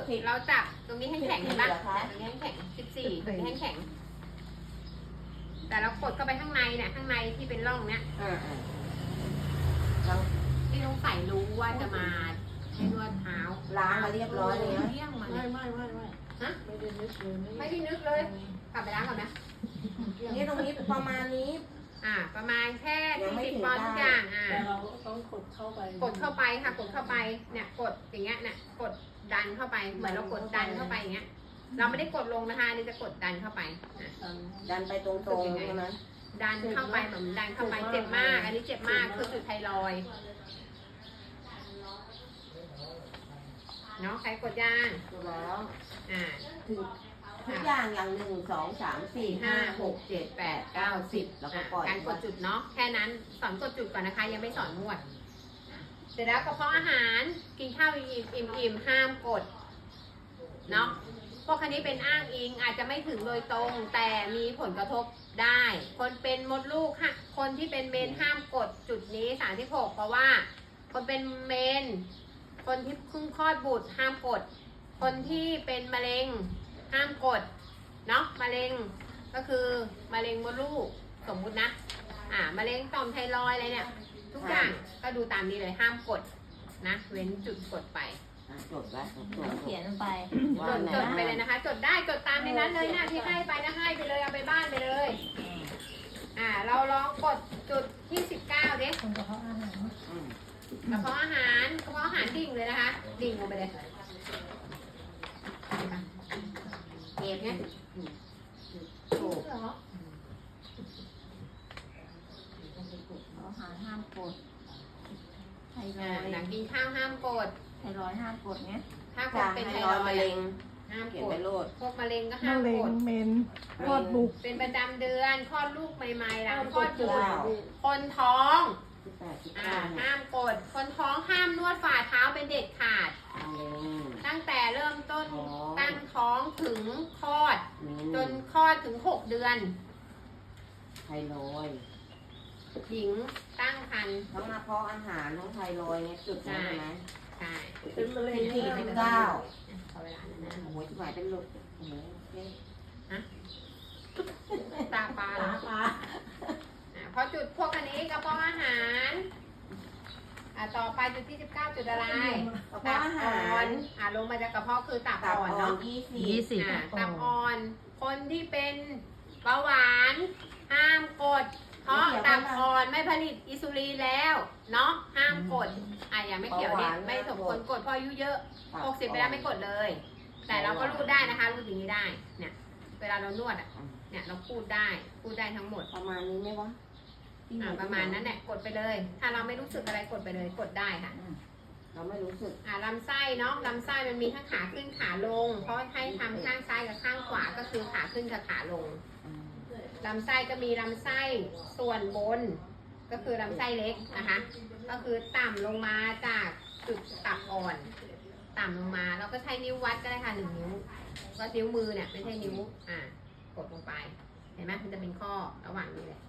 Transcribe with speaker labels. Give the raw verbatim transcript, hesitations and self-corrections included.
Speaker 1: เราจับตรงนี้ให้แข็งเห็นปะตรงนี้ให้แข็งสิบสี่ตรงนี้ให้แข็งแต่เรากดเข้าไปข้างในเนี่ยข้างในที่เป็นร่องเนี้ยที่ต้องใส่รู้ว่าจะมาให้นวดเท้า
Speaker 2: ล้างมาเรียบร้อยเลยนะ
Speaker 1: ไม่ไม่ไม่ไม่ฮะไม่ได้นึกเลยไม่ได้นึกเลยกลับไปล้างก่อนนะ
Speaker 2: นี่ตรงนี้ประมาณนี้
Speaker 1: อ่าประมาณแค่สี่สิบปอนด์ทุกอย่างอ่า
Speaker 3: แต่เราต้องกดเข้าไป
Speaker 1: กดเข้าไปค่ะกดเข้าไปเนี่ยกดอย่างเงี้ยเนี่ยกดดันเข้าไปเหมือนเรากดดันเข้าไปอย่างเงี้ยเราไม่ได้กดลงนะคะนี่จะกดดันเข้าไป
Speaker 2: ดันไปตรงๆใช่ไหม
Speaker 1: ดันเข้าไปเหมือนดันเข้าไปเจ็บมากอันนี้เจ็บมากคือจุดไทรอยด์เนาะใครกดย่าง
Speaker 2: กดแล้ว
Speaker 1: อ่า
Speaker 2: ถึงทุกอย่างอย่างหนึ่งสองสามสี่ห้าหกเจ็ดแปดเก้าสิบแล้วก็ปล่อย
Speaker 1: การกดจุดเนาะแค่นั้นสอนกดจุดก่อนนะคะยังไม่สอนนวดเสร็จแล้วกระเพาะอาหารกินข้าวอิ่มอิ่มห้ามกดเนาะพวกคันนี้เป็นอ้างอิงอาจจะไม่ถึงโดยตรงแต่มีผลกระทบได้คนเป็นมดลูกค่ะคนที่เป็นเมนห้ามกดจุดนี้สามที่หกเพราะว่าคนเป็นเมนคนที่เพิ่งคลอดบุตรห้ามกดคนที่เป็นมะเร็งห้ามกดเนาะมะเร็งก็คือมะเร็งมดลูกสมมุตินะอ่ามะเร็งต่อมไทรอยด์อะไรเนี่ยทุกอย่างก็ดูตามนี้เลยห้ามกดนะเว้นจุดกดไป
Speaker 2: จดไว้
Speaker 4: เขียนลงไป
Speaker 1: จดจดไปเลยนะคะจดได้จดตามในนั้นเลยนะที่ให้ไปนะให้ไปเลยเอาไปบ้านไปเลยอ่าเราลองกดจุดที่สิบเก้าเด็ก
Speaker 4: กระเพาะอาหาร
Speaker 1: กระเพาะอาหารกระเพาะอาหารดิ่งเลยนะคะดิ่งลงไปเลยเก็บเนี่ย
Speaker 4: โอ้อาหารห้ามกดไทรอยด์
Speaker 1: หลังกินข้าวห้ามกด
Speaker 4: ไทรอยด์ห้ามกดไง
Speaker 1: ถ้ากดเป็นไทรอยด์
Speaker 2: มะเร็ง
Speaker 1: ห้ามกดพวกมะเร็งก็ห้ามกด
Speaker 3: เมนคลอดบุก
Speaker 1: เป็นประจำเดือนคลอดลูกใหม่ๆหลังคลอดบุตรคนท้องห้ามกดคนท้องห้ามนวดฝ่าเท้าเป็นเด็ดขาดตั้งแต่เริ่มต้นตั้งท้องถึงคลอดจนคลอดถึงหกเดือน
Speaker 2: ไทรอยด์
Speaker 1: หญิงตั้งครรภ์
Speaker 2: ทั้งกระเพาะอาหารทั้งไทรอยด์เนี่ยจุดใช่ไหม
Speaker 1: ใช่
Speaker 2: เป็นมะเร็งสี่สิบเก้า
Speaker 1: เวลานั้นนะ
Speaker 2: โอ้โหที่หมายเป็นลูกโอ้โห
Speaker 1: ฮะตาปลา
Speaker 2: ตาปลา
Speaker 1: พอจุดพวกอันนี้กระเพาะอาหารอ่าต่อไปจุดที่สิบเก้าจุดอะไร
Speaker 2: กระเพาะอาหาร
Speaker 1: อ่าลงมาจากกระเพาะคือตับอ่อนเนาะ
Speaker 2: ยี่สิบ
Speaker 1: อ่าตับอ่อนคนที่เป็นเบาหวานห้ามกดเพราะตับอ่อนไม่ผลิตอินซูลินแล้วเนาะห้ามกดอ่ะอย่าไม่เกี่ยวเนี่ยไม่สมควรกดเพราะอายุเยอะหกสิบไปแล้วไม่กดเลย แต่เราก็รูดได้นะคะรูดอย่างนี้ได้เนี่ยเวลาเรานวดอ่ะเนี่ยเราพูดได้พูดได้ทั้งหมด
Speaker 2: ประมาณนี้ไหมวะ
Speaker 1: อ่าประมาณนั้นแหละกดไปเลย ถ้าเราไม่รู้สึกอะไรกดไปเลยกดได้ค่ะ
Speaker 2: เราไม่รู้สึก
Speaker 1: อ่าลำไส้เนาะลำไส้มันมีทั้งขาขึ้นขาลงเพราะให้ทำข้างซ้ายกับข้างขวาก็คือขาขึ้นกับขาลงลำไส้ก็มีลำไส้ส่วนบนก็คือลำไส้เล็กนะคะก็คือต่ำลงมาจากจุดตับอ่อนต่ำลงมาเราก็ใช้นิ้ววัดก็ได้ค่ะหนึ่งนิ้วก็นิ้วมือเนี่ยไม่ใช่นิ้วอ่ากดลงไปเห็นไหมมันจะเป็นข้อระหว่างนี้เลย